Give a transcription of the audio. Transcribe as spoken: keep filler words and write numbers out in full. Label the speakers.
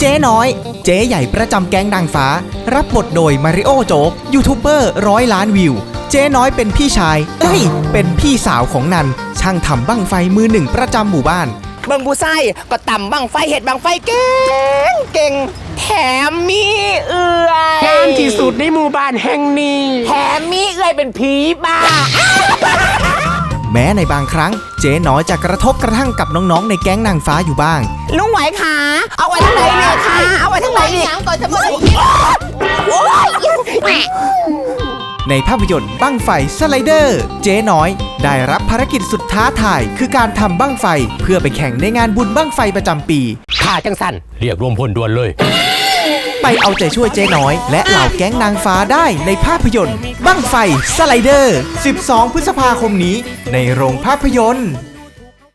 Speaker 1: จ๊น้อยเจ๊ใหญ่ประจำแก๊งนางฟ้ารับบทโดยมาริโอโจ๊กยูทูบเบอร์ร้อยล้านวิวเจ๊น้อยเป็นพี่ชายเอ้ยเป็นพี่สาวของนันช่างทำบั้งไฟมือหนึ่งประจำหมู่บ้าน
Speaker 2: เบิ่งผู้ไส้ก็ต่ำบังไฟเห็ดบังไฟเก่งเก่งแถมมีเอื่อย
Speaker 3: งามที่สุดในหมู่บ้านแห่งนี้
Speaker 2: แถมมีเอื่อยเป็นผีบ้า
Speaker 1: แม้ในบางครั้งเจ๊น้อยจะกระทบกระทั่งกับน้องๆในแก๊งนางฟ้าอยู่บ้าง
Speaker 2: ลุงไหวขาเอาไว้ทั้งไหนเนี่ยคะเอาไว้ทั้งไหนเนี่ยก่อนจะมา
Speaker 1: ในภาพยนตร์บั้งไฟสไลเดอร์เจ๊น้อยได้รับภารกิจสุดท้าทายคือการทำบั้งไฟเพื่อไปแข่งในงานบุญบั้งไฟประจำปี
Speaker 3: ข้าจังสันเรียกรวมพลด่วนเลย
Speaker 1: ไปเอาใจช่วยเจ๊น้อยและเหล่าแก๊งนางฟ้าได้ในภาพยนตร์บั้งไฟสไลเดอร์สิบสองพฤษภาคมนี้ในโรงภาพยนตร์